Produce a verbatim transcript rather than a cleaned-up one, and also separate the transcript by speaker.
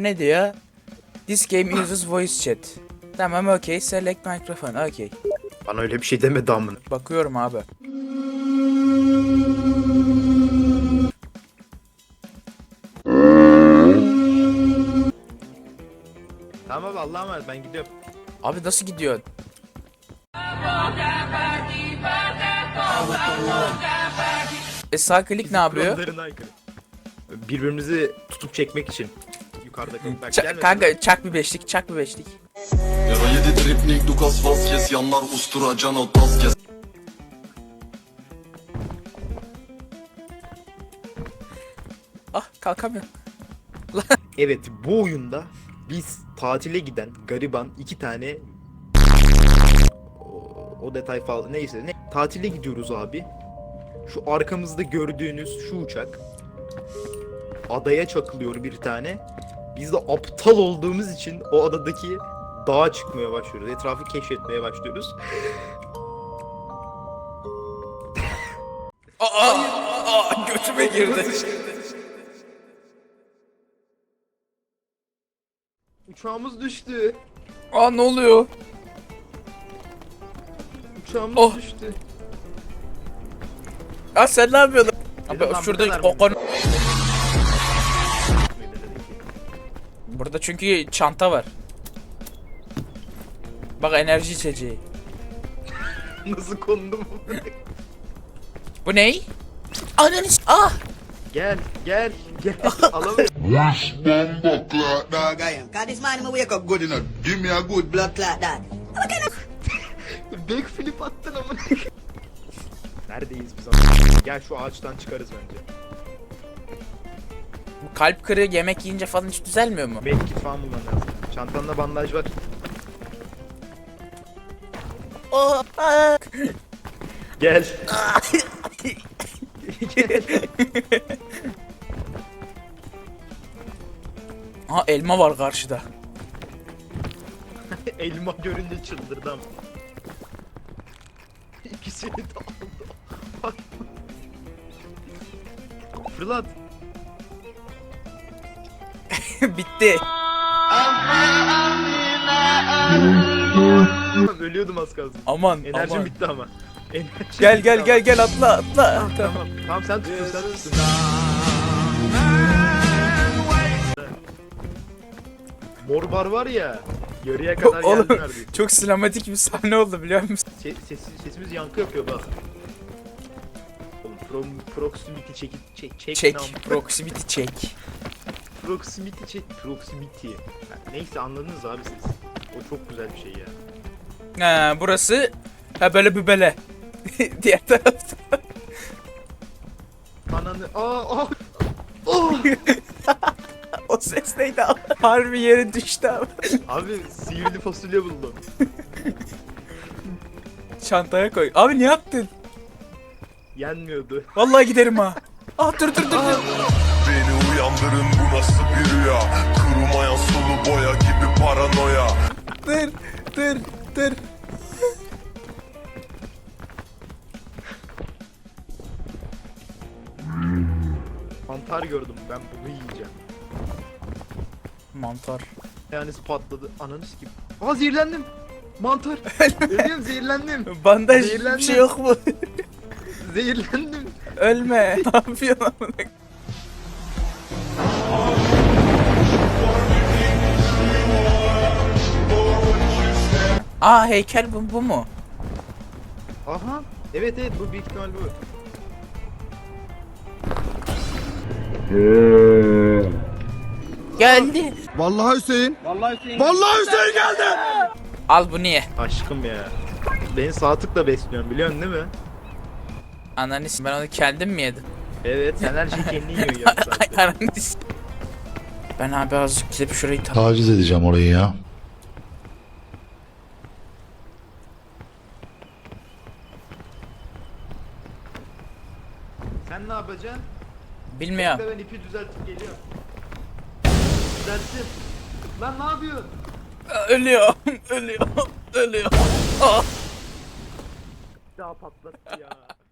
Speaker 1: ne diyor? This game uses voice chat. Tamam, okey. Select microphone, okey.
Speaker 2: Bana öyle bir şey deme damın.
Speaker 1: Bakıyorum abi.
Speaker 2: Tamam abi, Allah'a emanet, ben gidiyorum.
Speaker 1: Abi nasıl gidiyor? E sağ klik ne yapıyor?
Speaker 2: Kurallarına aykırı. Birbirimizi tutup çekmek için. Yukarıda bak,
Speaker 1: Ç-
Speaker 2: gelme.
Speaker 1: kanka çak bir beşlik, çak bir beşlik.
Speaker 3: Yara yedi dripnik Dukas Vazquez yanlar ustura Cano Tazquez.
Speaker 1: Ah, kalkamıyorum.
Speaker 2: Evet, bu oyunda biz tatile giden gariban iki tane o, o detay falan neyse ne tatile gidiyoruz abi. Şu arkamızda gördüğünüz şu uçak adaya çakılıyor bir tane. Biz de aptal olduğumuz için o adadaki dağa çıkmaya başlıyoruz. Etrafı keşfetmeye başlıyoruz.
Speaker 1: Aa, aa, götüme girdi.
Speaker 2: Uçağımız düştü.
Speaker 1: Aa, ne oluyor?
Speaker 2: Uçağımız
Speaker 1: Oh.
Speaker 2: düştü.
Speaker 1: Aa, sen ne yapıyordun?
Speaker 2: Dedim
Speaker 1: Abi
Speaker 2: lan,
Speaker 1: şurada
Speaker 2: bu kadar
Speaker 1: o
Speaker 2: mı?
Speaker 1: konu... Burada çünkü çanta var. Bak, enerji içeceği.
Speaker 2: Nasıl kondu bu?
Speaker 1: Bu ney? Ananı s- ah!
Speaker 2: Gel, gel, gel. Alamıyorum.
Speaker 4: Wash bomba clock that.
Speaker 5: Dog I am. Cause this man him a wake up
Speaker 4: Good enough. Give me a good
Speaker 5: blood clot that.
Speaker 2: Backflip attın amına. Neredeyiz biz amına? Gel şu ağaçtan çıkarız bence.
Speaker 1: Bu kalp kırığı yemek yiyince falan hiç düzelmiyor mu?
Speaker 2: Medkit falan bulman lazım. Çantanda bandaj var.
Speaker 1: Oh, ah!
Speaker 2: Gel. Gel.
Speaker 1: Aha, elma var karşıda.
Speaker 2: Elma görünce çıldırdım. İkisini de aldı. Bak. Fırlat.
Speaker 1: Bitti.
Speaker 2: Ölüyordum az kalsın.
Speaker 1: Aman,
Speaker 2: Enerjim
Speaker 1: aman.
Speaker 2: bitti ama. Enerjim
Speaker 1: Gel
Speaker 2: bitti
Speaker 1: gel
Speaker 2: ama.
Speaker 1: gel gel atla atla.
Speaker 2: Ah, tamam. Tamam sen tutun sen tutun. Mor bar var ya. Yarıya kadar
Speaker 1: Oğlum,
Speaker 2: geldi neredeyse.
Speaker 1: çok sinematik bir sahne oldu biliyor musun?
Speaker 2: Se- ses, sesimiz yankı yapıyor bak. Oğlum pro, proximity çek çek çek.
Speaker 1: Çek,
Speaker 2: ne am-
Speaker 1: proximity çek.
Speaker 2: Proximity çek proximity. Ha, neyse anladınız abi siz. O çok güzel bir şey ya.
Speaker 1: Ha, burası ha böyle bübele. Diğer tarafta.
Speaker 2: Ananı aa aa. Oh!
Speaker 1: O ses neydi abi? Harbi yere düştü abi.
Speaker 2: Abi sihirli fasulye buldum.
Speaker 1: Çantaya koy. Abi ne yaptın?
Speaker 2: Yenmiyordu.
Speaker 1: Vallahi giderim ha. Ah, dur dur dur dur.
Speaker 3: Beni uyandırın, bu nasıl bir rüya? Kurumayan sulu boya gibi paranoya.
Speaker 1: Dur dur dur.
Speaker 2: Mantar gördüm ben bunu yiyeceğim.
Speaker 1: Mantar.
Speaker 2: Yani patladı. Ananı sikeyim. Aa zehirlendim. Mantar. Ölüyorum zehirlendim.
Speaker 1: Bandaj bir
Speaker 2: Zehirlendim.
Speaker 1: şey yok mu?
Speaker 2: Zehirlendim.
Speaker 1: Ölme. Ne yapıyorsun amına? Aa, heykel bu, bu mu?
Speaker 2: Aha. Evet evet bu büyük ihtimal bu.
Speaker 1: Geldi.
Speaker 4: Vallahi Hüseyin. Vallahi Hüseyin. Vallahi Hüseyin geldi.
Speaker 1: Al bunu ye.
Speaker 2: Aşkım ya. Beni sağ tıkla besliyorsun biliyorsun değil mi?
Speaker 1: Ananı s- ben onu kendim mi yedim?
Speaker 2: Evet sen her şeyi kendin yiyorsun ya zaten.
Speaker 1: Ananı s- Ben abi azıcık gidip şurayı ta-
Speaker 4: Taciz edeceğim orayı ya.
Speaker 2: Sen ne yapacaksın?
Speaker 1: Bilmiyorum.
Speaker 2: Bekle, ben ipi düzeltip geliyorum. Düzelttim. Lan ne yapıyorsun?
Speaker 1: Ölüyor. Ölüyor. Ölüyor. Ah.
Speaker 2: Daha patlattı ya.